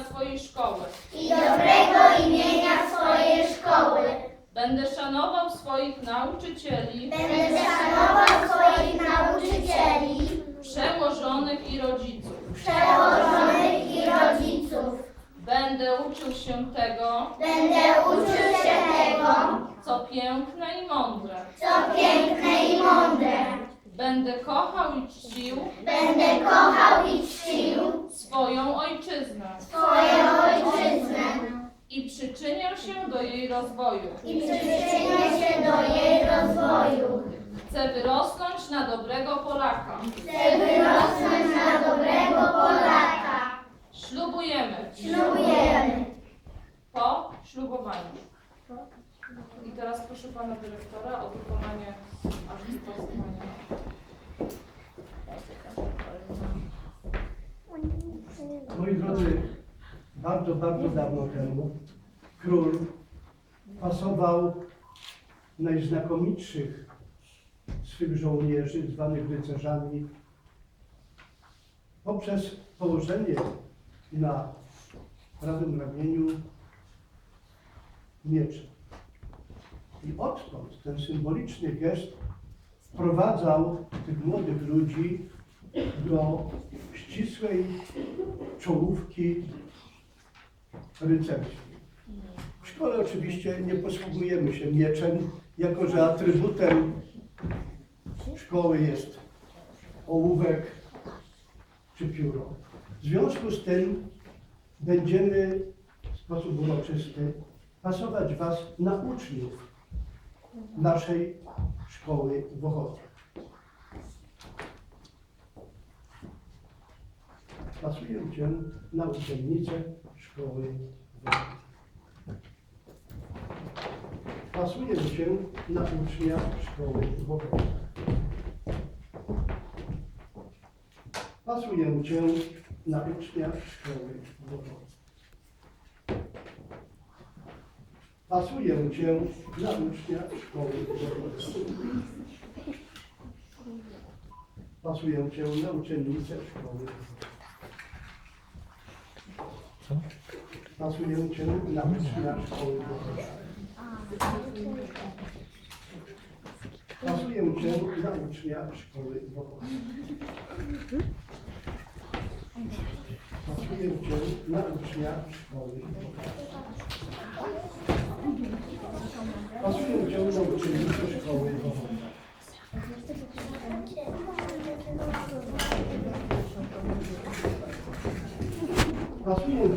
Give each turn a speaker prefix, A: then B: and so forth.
A: swojej szkoły.
B: I dobrego imienia swojej szkoły.
A: Będę szanował swoich nauczycieli,
B: Będę szanował swoich nauczycieli,
A: przełożonych i rodziców.
B: przełożonych i rodziców.
A: Będę uczył się tego,
B: Będę uczył się tego,
A: co piękne i mądre.
B: co piękne i mądre.
A: Będę kochał i czcił
B: Będę kochał i czcił
A: swoją ojczyznę
B: swoją ojczyznę
A: i przyczynię się do jej rozwoju.
B: i przyczynię się do jej rozwoju.
A: Chcę wyrosnąć na dobrego Polaka.
B: Chcę wyrosnąć na dobrego Polaka.
A: Ślubujemy
B: Ślubujemy.
A: po ślubowaniu. I teraz proszę pana dyrektora o wykonanie aktu poznania.
C: Moi drodzy, bardzo, bardzo dawno temu król pasował najznakomitszych swych żołnierzy, zwanych rycerzami, poprzez położenie na prawym ramieniu miecza. I odtąd ten symboliczny gest wprowadzał tych młodych ludzi do ścisłej czołówki rycerskiej. W szkole oczywiście nie posługujemy się mieczem, jako że atrybutem szkoły jest ołówek czy pióro. W związku z tym będziemy w sposób uroczysty pasować Was na uczniów naszej szkoły w Ochocie. Pasuję Cię na uczennicę szkoły w Ochocie. Pasuję Cię na ucznia szkoły w Ochocie. Pasuję Cię na ucznia szkoły w Ochocie. Pasuję Cię na ucznia szkoły w Ochocie. Pasuję Cię na uczennicę szkoły w Ochocie. Pasuję Cię na ucznia szkoły w Ochocie. Pasuję Cię na ucznia szkoły w Ochocie. Pasuję Cię na ucznia szkoły w Ochocie. Pasuję Cię na uczennicę szkoły w Ochocie. Pasuję